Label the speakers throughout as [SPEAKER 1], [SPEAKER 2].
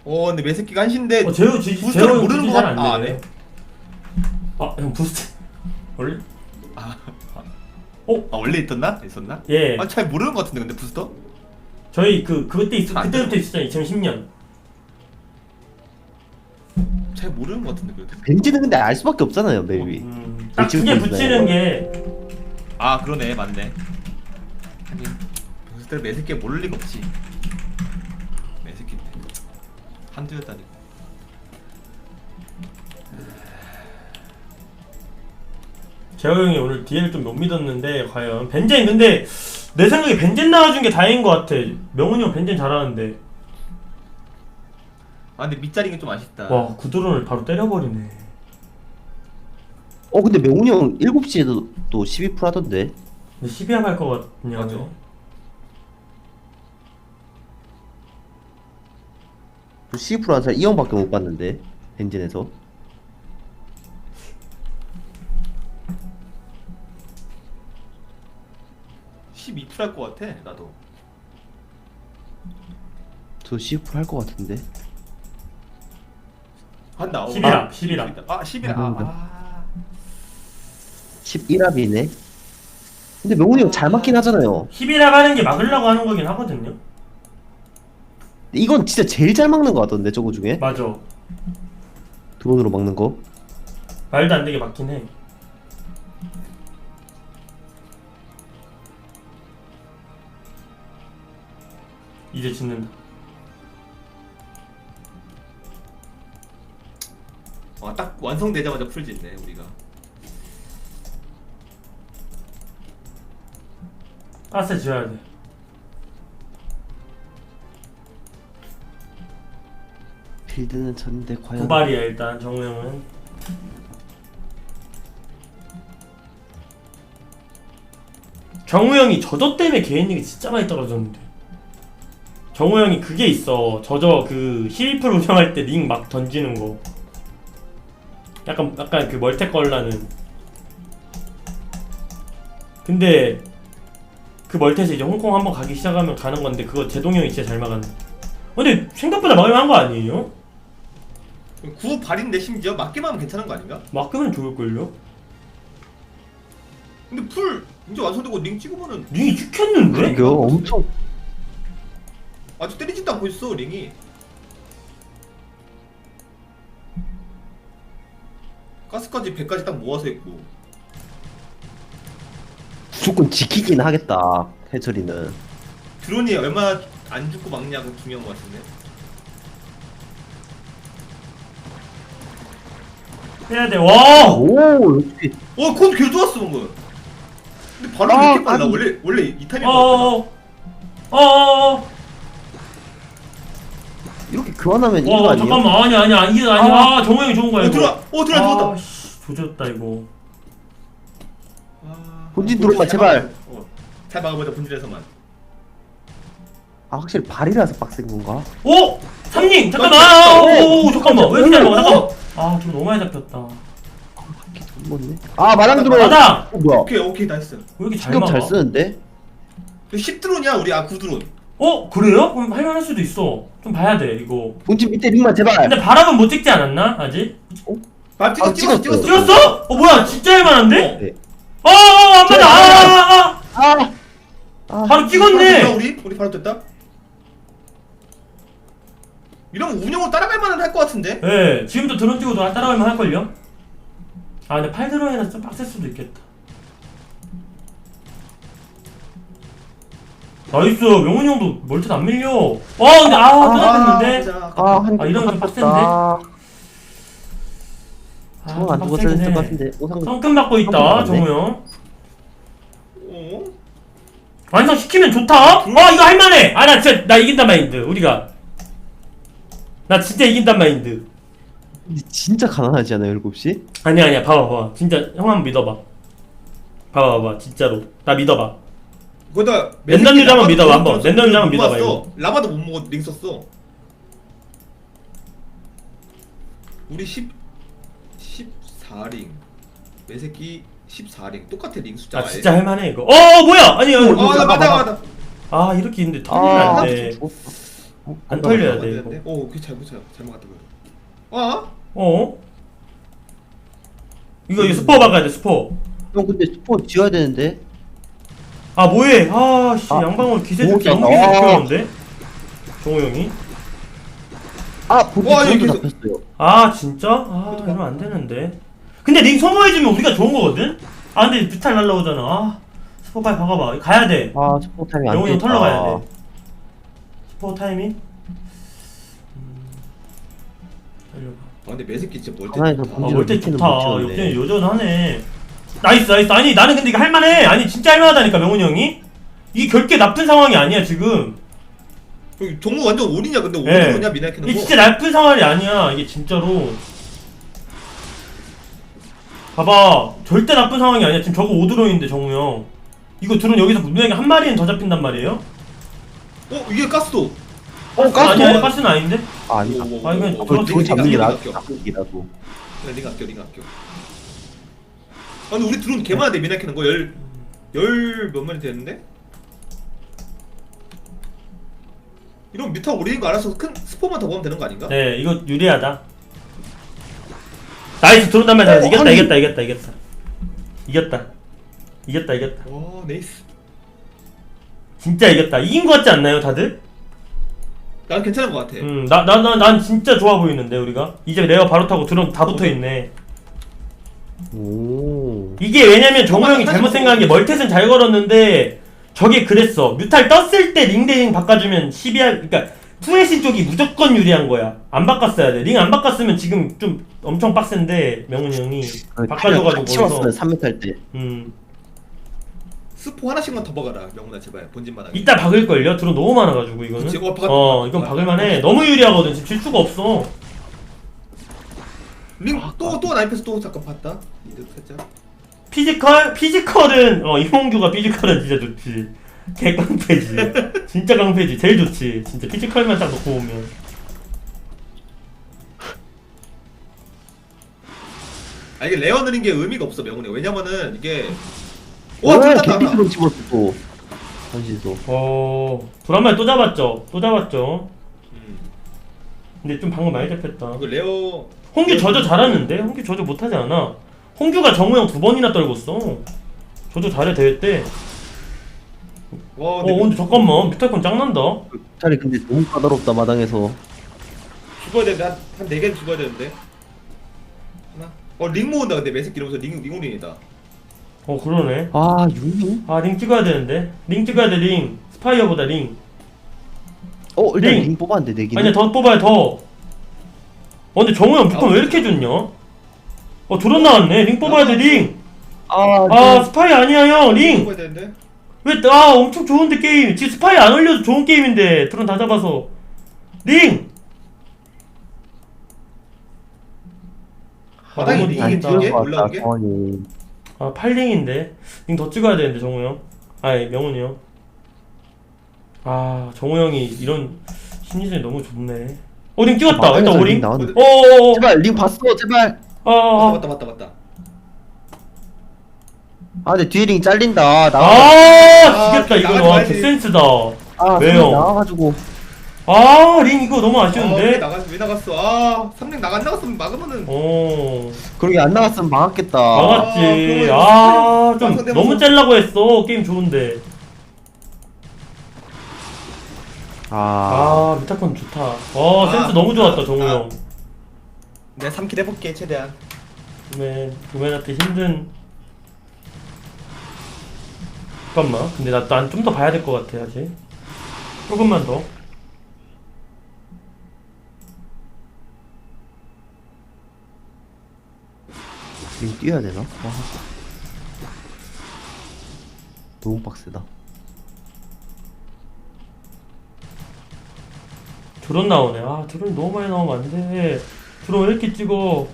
[SPEAKER 1] 근데 매새끼가 한신데
[SPEAKER 2] 제우
[SPEAKER 1] 부스터를 모르는 거
[SPEAKER 2] 잘안
[SPEAKER 1] 같아.
[SPEAKER 2] 되네. 형 부스트 원래?
[SPEAKER 1] 원래 있었나?
[SPEAKER 2] 예.
[SPEAKER 1] 잘 모르는 거 같은데 근데 부스터?
[SPEAKER 2] 저희 그때
[SPEAKER 1] 안
[SPEAKER 2] 그때부터 있었잖아요. 2010년.
[SPEAKER 1] 잘 모르는 거 같은데 그래도.
[SPEAKER 3] 벤지는 근데 알 수밖에 없잖아요 맵이.
[SPEAKER 2] 딱 두 개 붙이는 게
[SPEAKER 1] 그러네 맞네. 아니 부스터를 매새끼 모를 리가 없지. 매새끼인데 한두였다니까.
[SPEAKER 2] 재호 형이 오늘 DL 좀 못 믿었는데 과연 벤젠 근데 내 생각에 벤젠 나와준 게 다행인 것 같아. 명훈이 형 벤젠 잘하는데.
[SPEAKER 1] 근데 밑자리는 좀 아쉽다.
[SPEAKER 2] 와 구드론을 바로 때려버리네.
[SPEAKER 3] 근데 명훈이 형 7시에도 또 12% 하던데.
[SPEAKER 2] 근데 12합 할 것 같냐?
[SPEAKER 1] 맞아.
[SPEAKER 3] 그 12% 한 사람 이 형밖에 못 봤는데 벤진에서.
[SPEAKER 1] 할것 같아 나도.
[SPEAKER 3] 저 12% 할 것 같은데.
[SPEAKER 1] 한다.
[SPEAKER 2] 11합 11합
[SPEAKER 1] 11합.
[SPEAKER 3] 11합이네. 근데 명훈이 형 잘 맞긴 하잖아요.
[SPEAKER 2] 11합 하는 게 막으려고 하는 거긴 하거든요.
[SPEAKER 3] 이건 진짜 제일 잘 막는 것 같던데 저거 중에.
[SPEAKER 2] 맞아.
[SPEAKER 3] 드론으로 막는 거.
[SPEAKER 2] 말도 안 되게 막긴 해. 이제 짓는다.
[SPEAKER 1] 딱 완성되자마자 풀짓네 우리가.
[SPEAKER 2] 가스 지어야 돼.
[SPEAKER 3] 필드는 쳤는데 과연.
[SPEAKER 2] 구발이야 일단 정우 형은. 정우 형이 저저 때문에 개인력이 진짜 많이 떨어졌는데. 정우 형이 그게 있어. 저저 그 11% 운영할 때 링 막 던지는 거. 약간 그 멀테 걸라는. 근데 그 멀테에서 이제 홍콩 한번 가기 시작하면 가는 건데 그거 제동이 형이 진짜 잘 막았네. 근데 생각보다 막을만한 거 아니에요?
[SPEAKER 1] 9발인데 심지어 맞기만 하면 괜찮은 거 아닌가?
[SPEAKER 2] 막으면 좋을걸요?
[SPEAKER 1] 근데 풀 이제 완성되고 링 찍으면은
[SPEAKER 2] 링이 찍혔는데?
[SPEAKER 3] 이거 엄청.
[SPEAKER 1] 아직 때리지도 않고 있어 링이. 가스까지 100까지 딱 모아서 했고.
[SPEAKER 3] 무조건 지키긴 하겠다 해철이는.
[SPEAKER 1] 드론이 얼마나 안 죽고 막냐가 중요한 거 같은데.
[SPEAKER 2] 해야 돼. 와!
[SPEAKER 3] 오 역시.
[SPEAKER 1] 콘 개 좋았어 방금. 근데 바로 이렇게 빨라. 원래 이 타이밍
[SPEAKER 2] 어어어.
[SPEAKER 1] 맞잖아.
[SPEAKER 2] 어어어.
[SPEAKER 3] 이렇게 교환하면 이거 아니에요?
[SPEAKER 2] 잠깐만. 아니야. 이게 아니야. 정우 형이 좋은 거야 이거.
[SPEAKER 1] 들어와 들어왔다.
[SPEAKER 2] 씨, 조졌다 이거.
[SPEAKER 3] 본진 드론만 제발.
[SPEAKER 1] 잘 막아보자 본진에서만.
[SPEAKER 3] 확실히 발이라서 빡센 건가?
[SPEAKER 2] 오! 삼링! 잠깐만! 오 잠깐만. 왜 이렇게 잘 먹어? 잠깐만. 좀 너무 많이 잡혔다.
[SPEAKER 3] 뭐네? 마당 드론.
[SPEAKER 2] 마당!
[SPEAKER 3] 뭐야?
[SPEAKER 1] 오케이 나이스.
[SPEAKER 2] 왜 이렇게 잘
[SPEAKER 3] 신경
[SPEAKER 2] 막아?
[SPEAKER 3] 잘 쓰는데?
[SPEAKER 1] 10드론이야 우리 9드론.
[SPEAKER 2] 그래요? 그럼 할만할 수도 있어. 좀 봐야 돼 이거.
[SPEAKER 3] 본진 밑에 링만 제발.
[SPEAKER 2] 근데 바람은 못 찍지 않았나? 아직?
[SPEAKER 3] 찍었어.
[SPEAKER 2] 찍었어? 뭐야 진짜 할만한데?
[SPEAKER 3] 네.
[SPEAKER 2] 안 맞아. 바로 찍었네.
[SPEAKER 1] 우리 바로 됐다. 이러면 운영으로 따라갈 만은 할 것 같은데?
[SPEAKER 2] 네, 지금도 드론 찍어도 따라가면 할걸요? 근데 8드론이라 좀 빡셀 수도 있겠다. 나이스! 명훈이 형도 멀티도 안 밀려. 근데 끝났는데? 이러면 좀 빡센데?
[SPEAKER 3] 정우 안 죽었어야 했을 것 같은데.
[SPEAKER 2] 성큼 받고 있다, 정우 형. 완성시키면 좋다? 이거 할만해! 나 이긴단 마인드, 우리가. 나 진짜 이긴단 마인드.
[SPEAKER 3] 근데 진짜 가난하지 않아요 7시?
[SPEAKER 2] 아니야 봐봐 진짜 형 한번 믿어봐. 봐봐 진짜로 나 믿어봐.
[SPEAKER 1] 거기다
[SPEAKER 2] 랜덤 유저 한번 믿어봐. 한번 랜덤 유저 한번 믿어봐. 이거
[SPEAKER 1] 라마도 못 먹어 링 썼어. 우리 14링 매새끼 14링 똑같아 링 숫자.
[SPEAKER 2] 진짜 할만해 이거. 뭐야? 아니
[SPEAKER 1] 맞아
[SPEAKER 2] 이렇게 있는데 터지면 안 돼. 안 털려야
[SPEAKER 1] 안
[SPEAKER 2] 돼
[SPEAKER 1] 되는데?
[SPEAKER 2] 이거.
[SPEAKER 1] 오, 그 잘못 갔다 그래. 아?
[SPEAKER 2] 어? 이거 스포 박아야 돼 스포.
[SPEAKER 3] 형 근데 스포 지어야 되는데.
[SPEAKER 2] 아 뭐해? 아씨
[SPEAKER 3] 아,
[SPEAKER 2] 양방울 기세
[SPEAKER 3] 오,
[SPEAKER 2] 좋게 너무
[SPEAKER 3] 아.
[SPEAKER 2] 기세 좋게 정우 형이.
[SPEAKER 3] 보드
[SPEAKER 1] 와,
[SPEAKER 3] 저도
[SPEAKER 1] 이게
[SPEAKER 3] 잡혔어요.
[SPEAKER 2] 아 진짜? 아 이러면 안 되는데. 근데 링 소모해주면 우리가 좋은 거거든? 아 근데 뮤탈 날라오잖아. 아 스포 빨리 박아봐. 가야 돼.
[SPEAKER 3] 스포 타임이 안
[SPEAKER 2] 영훈이 형
[SPEAKER 3] 됐다.
[SPEAKER 2] 털러 가야 돼. 스포 타이밍? 달려봐.
[SPEAKER 1] 아, 근데 매새끼 진짜 멀티
[SPEAKER 3] 하나에서
[SPEAKER 1] 좋다.
[SPEAKER 2] 아
[SPEAKER 3] 본질을
[SPEAKER 2] 멀티
[SPEAKER 3] 밑에는
[SPEAKER 2] 좋다.
[SPEAKER 3] 못 채웠네.
[SPEAKER 2] 역전이 여전하네. 나이스 나이스. 아니 나는 근데 이거 할만해. 아니 진짜 할만하다니까 명훈이 형이. 이 결계 나쁜 상황이 아니야 지금.
[SPEAKER 1] 여기 종무 완전 올이냐? 근데
[SPEAKER 2] 예.
[SPEAKER 1] 올이냐 미나키는
[SPEAKER 2] 이게 진짜 나쁜 상황이 아니야. 이게 진짜로. 봐봐. 절대 나쁜 상황이 아니야. 지금 저거 오드론인데 정우 형. 이거 드론 여기서 분명히 한 마리는 더 잡힌단 말이에요?
[SPEAKER 1] 이게 가스도.
[SPEAKER 3] 가스
[SPEAKER 2] 아니야 가스는 아닌데?
[SPEAKER 3] 아니다.
[SPEAKER 2] 아니, 그냥
[SPEAKER 3] 그걸
[SPEAKER 2] 저거
[SPEAKER 3] 잡는 게
[SPEAKER 1] 아껴.
[SPEAKER 3] 나쁘기라도.
[SPEAKER 1] 링 아껴. 아, 근데 우리 드론 개 많은데 미나키는 거 열 몇 마리 되는데? 이러면 뮤타 오리는 거 알아서 큰 스포만 더 보면 되는 거 아닌가?
[SPEAKER 2] 네 이거 유리하다. 나이스 드론 단말 잘했어. 이겼다
[SPEAKER 3] 아니.
[SPEAKER 2] 이겼다.
[SPEAKER 1] 와, 네이스.
[SPEAKER 2] 진짜 이겼다. 이긴 거 같지 않나요 다들?
[SPEAKER 1] 난 괜찮은 거 같아.
[SPEAKER 2] 난 진짜 좋아 보이는데 우리가 이제 레어 바로 타고 드론 다 붙어 있네.
[SPEAKER 3] 오.
[SPEAKER 2] 이게 왜냐면 정우 형이 잘못 생각한 게 멀텟은 잘 걸었는데 저게 그랬어. 뮤탈 떴을 때 링 대 링 바꿔주면 12할 그러니까 투애신 쪽이 무조건 유리한 거야. 안 바꿨어야 돼. 링 안 바꿨으면 지금 좀 엄청 빡센데 명훈이 형이 바꿔줘가지고
[SPEAKER 3] 치웠어요.
[SPEAKER 2] 거기서
[SPEAKER 3] 3m 할 때.
[SPEAKER 1] 스포 하나씩만 더 박아라, 명훈아 제발 본진만 하게.
[SPEAKER 2] 이따 박을걸요? 드론 너무 많아가지고 이거는.
[SPEAKER 1] 그치,
[SPEAKER 2] 이건 박을만해. 너무 유리하거든. 지금 질 수가 없어.
[SPEAKER 1] 링 또 나이프에서 또 잠깐 봤다. 이득 살짝.
[SPEAKER 2] 피지컬은 이홍규가 피지컬은 진짜 좋지. 개깡패지. 진짜 깡패지. 제일 좋지. 진짜 피지컬만 딱 놓고 보면.
[SPEAKER 1] 아, 이게 레어 느린 게 의미가 없어 명훈이. 왜냐면은 이게
[SPEAKER 3] 와,
[SPEAKER 1] 둘다
[SPEAKER 3] 개피스로 집었어 또. 전시소.
[SPEAKER 2] 불안말 또 잡았죠. 근데 좀 방금 많이 잡혔다.
[SPEAKER 1] 이거 레어
[SPEAKER 2] 홍규 저저 잘하는데? 홍규 저저 못하지 않아. 홍규가 정우 형 2번이나 떨궜어. 저저 잘해 대회 때.
[SPEAKER 1] 와,
[SPEAKER 2] 근데 잠깐만 뮤탈콘 짱난다.
[SPEAKER 3] 차라리 근데 너무 까다롭다 마당에서.
[SPEAKER 1] 죽어야 되는데 한 4개는 죽어야 되는데. 하나. 링 모은다. 근데 매새끼 이러면서 링올인이다.
[SPEAKER 2] 그러네.
[SPEAKER 3] 유미?
[SPEAKER 2] 링 찍어야 되는데. 링 찍어야 돼 링. 스파이어보다 링.
[SPEAKER 3] 일단
[SPEAKER 2] 링.
[SPEAKER 3] 링 뽑았는데 4개.
[SPEAKER 2] 아니야 더 뽑아야 더. 근데 정우 형 뮤콘 왜 이렇게 좋냐? 드론 나왔네. 링 뽑아야 돼 링. 스파이 아니야 형 링.
[SPEAKER 1] 죽어야 되는데.
[SPEAKER 2] 왜 엄청 좋은데 게임. 지금 스파이 안 올려도 좋은 게임인데 드론 다 잡아서 링.
[SPEAKER 1] 바닥에
[SPEAKER 2] 너무
[SPEAKER 1] 링이
[SPEAKER 2] 잘했다.
[SPEAKER 1] 2개 올라온 게?
[SPEAKER 2] 8링인데 링 더 찍어야 되는데 정우 형. 명훈이 형. 정우 형이 이런 심리전이 너무 좋네. 링 찍었다. 일단 오링.
[SPEAKER 3] 제발 링 봤어 제발.
[SPEAKER 1] 맞다.
[SPEAKER 3] 근데 뒤에 링 잘린다.
[SPEAKER 2] 지겠다 이거.
[SPEAKER 1] 나가지 말지.
[SPEAKER 2] 개센스다.
[SPEAKER 3] 왜요? 나와가지고.
[SPEAKER 2] 링 이거 너무 아쉬운데.
[SPEAKER 1] 왜 나갔어? 3링 나갔으면 막으면은.
[SPEAKER 3] 그러게 안 나갔으면 막았겠다.
[SPEAKER 2] 막았지. 좀 너무 짤라고 했어. 게임 좋은데. 뮤타콘 좋다. 센스 너무 좋았다 정우 형.
[SPEAKER 1] 내가 3킬 해볼게 최대한.
[SPEAKER 2] 구맨한테 힘든. 잠깐만. 근데 난 좀 더 봐야 될 것 같아 아직. 조금만 더.
[SPEAKER 3] 링 뛰어야 되나? 너무 빡세다.
[SPEAKER 2] 드론 나오네. 드론 너무 많이 나오면 안 돼. 드론 왜 이렇게 찍어?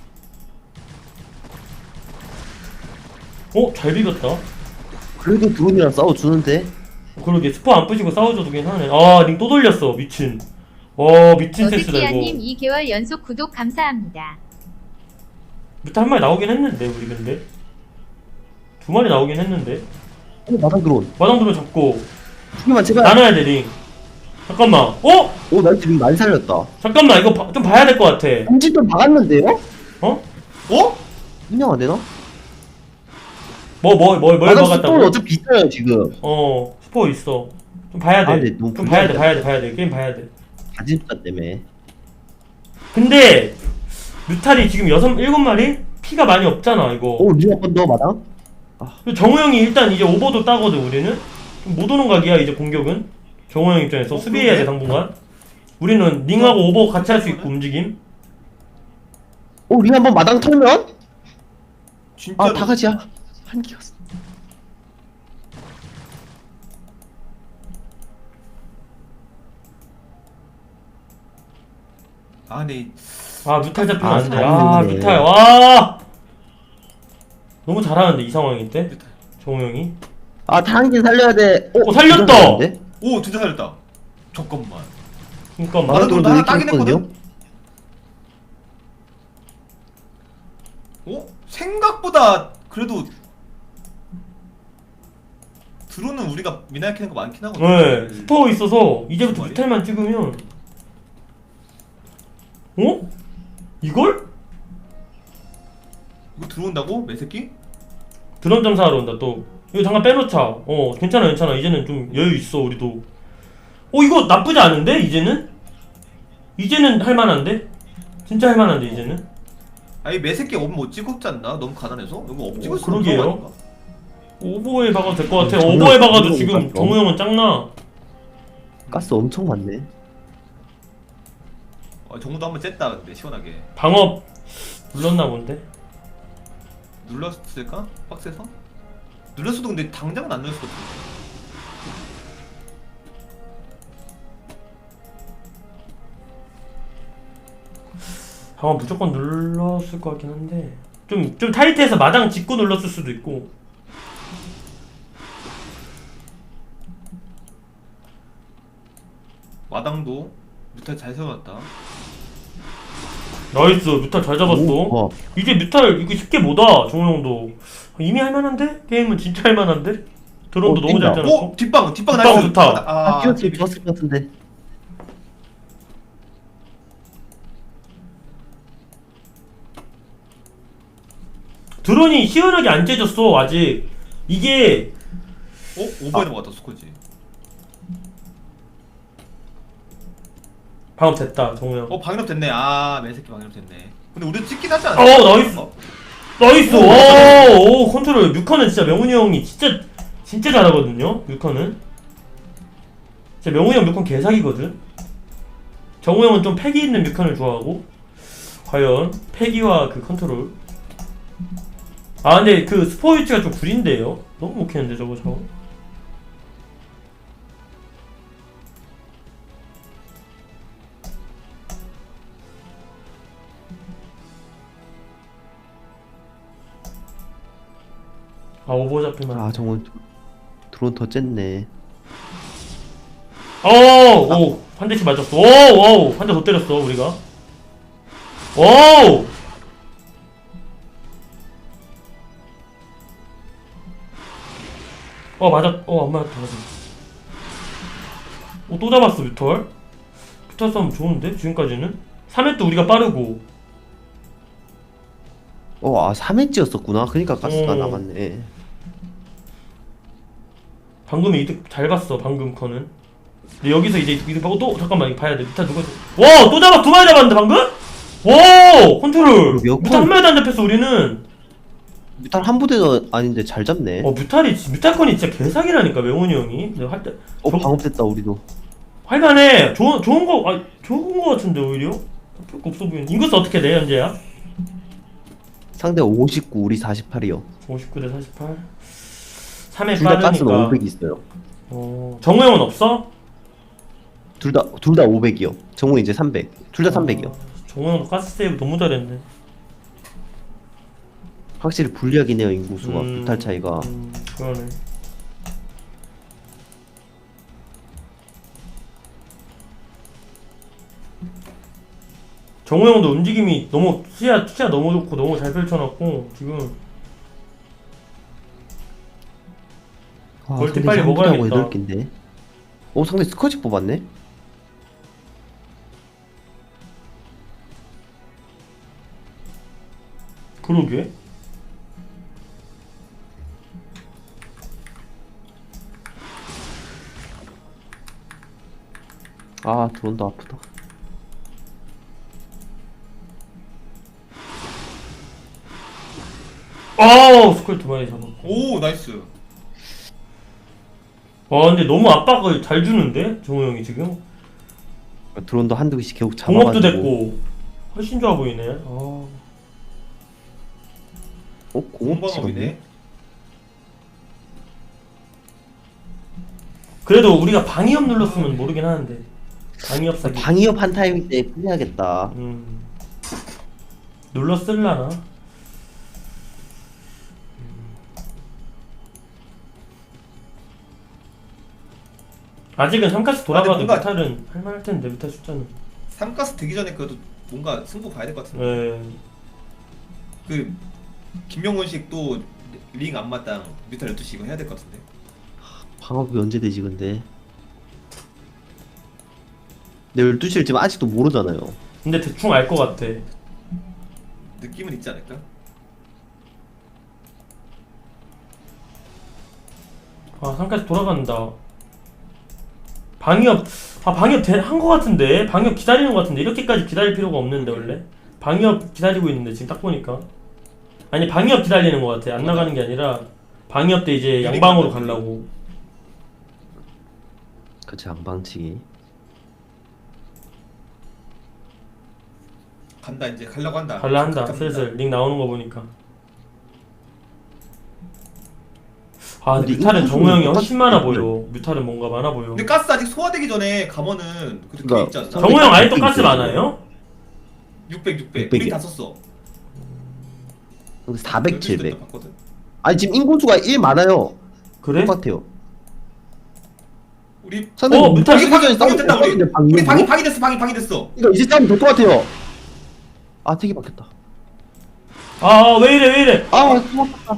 [SPEAKER 2] 잘 비볐다.
[SPEAKER 3] 그래도 드론이랑 싸워주는데?
[SPEAKER 2] 그러게 스포 안 부시고 싸워줘도 되긴 하네. 링 또 돌렸어. 미친. 미친 센스다 이거.
[SPEAKER 4] 어드키아님 2개월 연속 구독 감사합니다.
[SPEAKER 2] 뮤타 한 마리 나오긴 했는데 우리 근데 2마리 나오긴 했는데.
[SPEAKER 3] 마당 드론.
[SPEAKER 2] 마당 드론 잡고
[SPEAKER 3] 2개만 제발.
[SPEAKER 2] 나눠야 돼 링. 잠깐만. 어?
[SPEAKER 3] 오 나이스 링 많이 살렸다.
[SPEAKER 2] 잠깐만 이거 좀 봐야 될 것 같아.
[SPEAKER 3] 공지도 박았는데요?
[SPEAKER 2] 어?
[SPEAKER 1] 어?
[SPEAKER 3] 인정 안 되나?
[SPEAKER 2] 뭘
[SPEAKER 3] 마당 스톤
[SPEAKER 2] 막았다고?
[SPEAKER 3] 어차피 있어요 지금.
[SPEAKER 2] 스포 있어. 좀 봐야 돼.
[SPEAKER 3] 아, 근데 너무
[SPEAKER 2] 좀 봐야 돼,
[SPEAKER 3] 불리하다.
[SPEAKER 2] 봐야 돼. 게임 봐야 돼.
[SPEAKER 3] 가진자 때문에.
[SPEAKER 2] 근데 뮤탈이 지금 7마리? 피가 많이 없잖아 이거.
[SPEAKER 3] 오링 한 번 더 마당?
[SPEAKER 2] 정우 형이 일단 이제 오버도 따거든 우리는. 좀 못 오는 각이야 이제 공격은. 정우 형 입장에서 수비해야 돼
[SPEAKER 1] 그러게?
[SPEAKER 2] 당분간. 우리는 링하고 오버 같이 할 수 있고 움직임.
[SPEAKER 3] 오링 한 번 마당 털면?
[SPEAKER 1] 진짜.
[SPEAKER 3] 아 다가지야. 한 개가.
[SPEAKER 1] 아, 네.
[SPEAKER 2] 아 뮤탈 잡히면
[SPEAKER 3] 아,
[SPEAKER 2] 안 돼.
[SPEAKER 3] 잘했네.
[SPEAKER 2] 뮤탈 와. 너무 잘하는데 이 상황일 때 정우 형이.
[SPEAKER 3] 아 단계 살려야 돼.
[SPEAKER 2] 살렸다!
[SPEAKER 3] 살렸는데?
[SPEAKER 1] 오, 진짜 살렸다. 잠깐만.
[SPEAKER 2] 그러니까 막
[SPEAKER 1] 마당
[SPEAKER 3] 마당도
[SPEAKER 1] 하나
[SPEAKER 3] 이렇게
[SPEAKER 1] 따긴
[SPEAKER 3] 했거든요?
[SPEAKER 1] 했거든? 어? 생각보다 그래도 드론은 우리가 미나이 캐는 거 많긴 하거든.
[SPEAKER 2] 네, 스포 있어서 이제부터
[SPEAKER 1] 정말이?
[SPEAKER 2] 뮤탈만 찍으면 이걸?
[SPEAKER 1] 이거 들어온다고? 매새끼?
[SPEAKER 2] 드론 점사하러 온다 또. 이거 잠깐 빼놓자. 괜찮아 이제는 좀 여유 있어 우리도. 이거 나쁘지 않은데 이제는? 이제는 할만한데? 진짜 할만한데 이제는?
[SPEAKER 1] 아니 매새끼 업 못 찍었지 않나? 너무 가난해서? 이거 업 찍을 수
[SPEAKER 2] 그러게요.
[SPEAKER 1] 없는 거 아닌가?
[SPEAKER 2] 오버에 박아도 될 것 같아.
[SPEAKER 3] 정우
[SPEAKER 2] 오버에 박아도
[SPEAKER 3] 정우
[SPEAKER 2] 지금
[SPEAKER 3] 같죠?
[SPEAKER 2] 정우 형은 짱나.
[SPEAKER 3] 가스 엄청 많네.
[SPEAKER 1] 정우도 한번 쨌다 근데 시원하게
[SPEAKER 2] 방업 눌렀나 본데?
[SPEAKER 1] 눌렀을까? 박스에서? 눌렀어도 근데 당장은 안 눌렀을 것 같은데.
[SPEAKER 2] 방업 무조건 눌렀을 것 같긴 한데 좀 타이트해서 마당 짚고 눌렀을 수도 있고.
[SPEAKER 1] 마당도 뮤탈 잘 세워놨다.
[SPEAKER 2] 나이스 뮤탈 잘 잡았어.
[SPEAKER 3] 오,
[SPEAKER 2] 이제 뮤탈 이거 쉽게 못와. 정우 형도 이미 할만한데? 게임은 진짜 할만한데? 드론도 너무
[SPEAKER 3] 뛴다.
[SPEAKER 2] 잘 짜놨고.
[SPEAKER 1] 오! 뒷방
[SPEAKER 2] 뒷방
[SPEAKER 1] 나이스!
[SPEAKER 2] 좋다.
[SPEAKER 3] 아 뛰었으면 좋았을 것 같은데.
[SPEAKER 2] 드론이 시원하게 안 째졌어 아직. 이게
[SPEAKER 1] 오버에 넘어갔다 스코지.
[SPEAKER 2] 방업 됐다 정우 형.
[SPEAKER 1] 방역 됐네. 매새끼 방역 됐네. 근데 우리 찍긴 하지 않아?
[SPEAKER 2] 나이스. 나이스. 오 컨트롤. 뮤커는 진짜 명훈이 형이 진짜 잘하거든요. 뮤커는 진짜 명훈이 형 뮤컨 개사기거든. 정우 형은 좀 패기 있는 뮤컨을 좋아하고. 과연 패기와 그 컨트롤. 근데 그 스포 위치가 좀 구린데요. 너무 못 캐는데 저거. 오버 잡히면.
[SPEAKER 3] 아 정말 드론 더 쨌네.
[SPEAKER 2] 오! 한 대씩 맞았어. 오! 한 대 더 때렸어, 우리가. 오! 안 맞았다, 맞았다. 또 잡았어, 뮤털. 뮤털 싸움 좋은데? 지금까지는? 3회도 우리가 빠르고.
[SPEAKER 3] 3회째였었구나. 그러니까 가스가
[SPEAKER 2] 어.
[SPEAKER 3] 나갔네.
[SPEAKER 2] 방금 이득 잘 봤어, 방금 커는. 근데 여기서 이제 이득 보고 잠깐만, 이거 봐야 돼. 뮤탈 누가. 와! 또 잡아! 2마리 잡았는데, 방금? 와! 컨트롤!
[SPEAKER 3] 그러게요.
[SPEAKER 2] 뮤탈 한 마리도 안 잡혔어, 우리는.
[SPEAKER 3] 뮤탈 한 부대도 아닌데 잘 잡네.
[SPEAKER 2] 뮤탈컨이 진짜 개사기라니까, 명훈이 형이. 내가 할 때.
[SPEAKER 3] 방업됐다 우리도.
[SPEAKER 2] 할만해. 좋은 거 같은데, 오히려? 별거 없어 보이는. 인구수 어떻게 돼, 현재야?
[SPEAKER 3] 상대 59, 우리 48이요.
[SPEAKER 2] 59대 48. 3회
[SPEAKER 3] 둘 다 가스는
[SPEAKER 2] 빠르니까.
[SPEAKER 3] 500 있어요.
[SPEAKER 2] 정우 형은 없어?
[SPEAKER 3] 둘 다 500이요. 정우 이제 300. 둘 다 300이요.
[SPEAKER 2] 정우 형도 가스 세이브 너무 잘했네.
[SPEAKER 3] 확실히 불리하긴 해요 인구수가. 뮤탈 차이가.
[SPEAKER 2] 그러네. 정우 형도 움직임이 너무 시야 너무 좋고 너무 잘 펼쳐놨고 지금 멀티
[SPEAKER 3] 상대
[SPEAKER 2] 빨리
[SPEAKER 3] 3부대하고
[SPEAKER 2] 먹어야겠다.
[SPEAKER 3] 8개인데. 상대 스커지 뽑았네?
[SPEAKER 2] 그러게.
[SPEAKER 3] 아 드론도 아프다.
[SPEAKER 2] 스컬 2마리 잡았고.
[SPEAKER 1] 오 나이스.
[SPEAKER 2] 근데 너무 압박을 잘 주는데? 정우 형이 지금?
[SPEAKER 3] 드론도 한두 개씩 계속
[SPEAKER 2] 공업도
[SPEAKER 3] 잡아가지고.
[SPEAKER 2] 됐고. 훨씬 좋아 보이네.
[SPEAKER 3] 공업
[SPEAKER 1] 공방업이네.
[SPEAKER 3] 찍었네.
[SPEAKER 2] 그래도 우리가 방위협 눌렀으면 모르긴 하는데. 방위협 사기.
[SPEAKER 3] 방위협 한 타이밍 때 끝내야겠다.
[SPEAKER 2] 눌렀을라나? 아직은 3카스 돌아가도
[SPEAKER 1] 근데 뭔가-
[SPEAKER 2] 뮤탈은 할만할 텐데, 뮤탈 숫자는.
[SPEAKER 1] 3가스 되기 전에 그래도 뭔가 승부 봐야 될 것 같은데.
[SPEAKER 2] 네.
[SPEAKER 1] 그 김명훈식 또 링 안마당 뮤탈 12시 이거 해야 될 것 같은데.
[SPEAKER 3] 방업이 언제 되지 근데? 내 12시를 지금 아직도 모르잖아요.
[SPEAKER 2] 근데 대충 알 것 같아.
[SPEAKER 1] 느낌은 있지 않을까?
[SPEAKER 2] 아, 3카스 돌아간다. 방위협, 방위협 한 것 같은데? 방위협 기다리는 것 같은데? 이렇게까지 기다릴 필요가 없는데, 원래? 방위협 기다리고 있는데, 지금 딱 보니까. 아니, 방위협 기다리는 것 같아. 안 나가는 게 아니라, 방위협 때 이제 양방으로 가려고.
[SPEAKER 3] 그치 양방치기.
[SPEAKER 1] 간다 이제 가려고 한다.
[SPEAKER 2] 갈라 한다,
[SPEAKER 1] 갑니다.
[SPEAKER 2] 슬슬. 링 나오는 거 보니까. 근데
[SPEAKER 3] 근데
[SPEAKER 2] 뮤탈은
[SPEAKER 3] 이거
[SPEAKER 2] 정우 형이
[SPEAKER 3] 똑같-
[SPEAKER 2] 훨씬 많아 보여. 뮤탈은 뭔가 많아 보여.
[SPEAKER 1] 근데 가스 아직 소화되기 전에 가면은 그렇게
[SPEAKER 3] 그러니까
[SPEAKER 1] 있지 않나?
[SPEAKER 2] 정우 형 아직도 가스 많아요?
[SPEAKER 1] 600.
[SPEAKER 3] 600
[SPEAKER 1] 우리
[SPEAKER 3] 이야.
[SPEAKER 1] 다 썼어.
[SPEAKER 3] 근데 400, 700.
[SPEAKER 1] 봤거든.
[SPEAKER 3] 아니 지금 인구수가 1 많아요.
[SPEAKER 2] 그래?
[SPEAKER 3] 똑같아요.
[SPEAKER 1] 우리
[SPEAKER 3] 선생님
[SPEAKER 2] 뮤탈
[SPEAKER 3] 시기 전에 싸움
[SPEAKER 1] 됐다 우리.
[SPEAKER 3] 됐는데
[SPEAKER 1] 우리
[SPEAKER 3] 방금
[SPEAKER 1] 방이 됐어. 방이 됐어.
[SPEAKER 3] 이거 이제 싸움 될 것 같아요. 아 되게 바뀌었다.
[SPEAKER 2] 왜 이래.
[SPEAKER 3] 아 고맙다.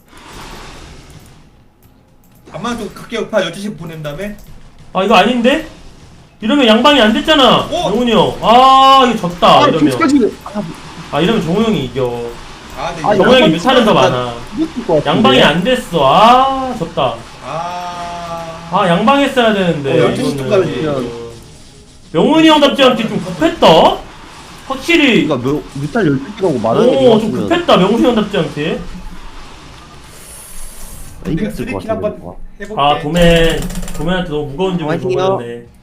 [SPEAKER 1] 암만 좀 각계 여파 12시 보낸 다음에
[SPEAKER 2] 이거 아닌데? 이러면 양방이 안 됐잖아.
[SPEAKER 1] 어?
[SPEAKER 2] 정훈이 형. 이거 졌다. 이러면. 이러면 정우 형이 이겨.
[SPEAKER 1] 근데
[SPEAKER 3] 아,
[SPEAKER 1] 이거-
[SPEAKER 2] 정우 형이
[SPEAKER 3] 양방
[SPEAKER 2] 뮤탈은 더 많아. 양방이 안 됐어. 졌다. 양방 했어야 되는데.
[SPEAKER 3] 12시 쪽 가면
[SPEAKER 2] 명훈이 형답지 않게 좀 급했다? 확실히.
[SPEAKER 3] 그러니까 뮤탈 12개라고 말하는
[SPEAKER 2] 좀 급했다. 명훈이 형답지 않게.
[SPEAKER 3] 이겼을
[SPEAKER 1] 내가
[SPEAKER 3] 것
[SPEAKER 1] 쓰리킬
[SPEAKER 3] 같은데.
[SPEAKER 1] 한번 해볼게.
[SPEAKER 2] 도맨한테 너무 무거운 점을
[SPEAKER 3] 화이팅이요.
[SPEAKER 2] 줘버렸네.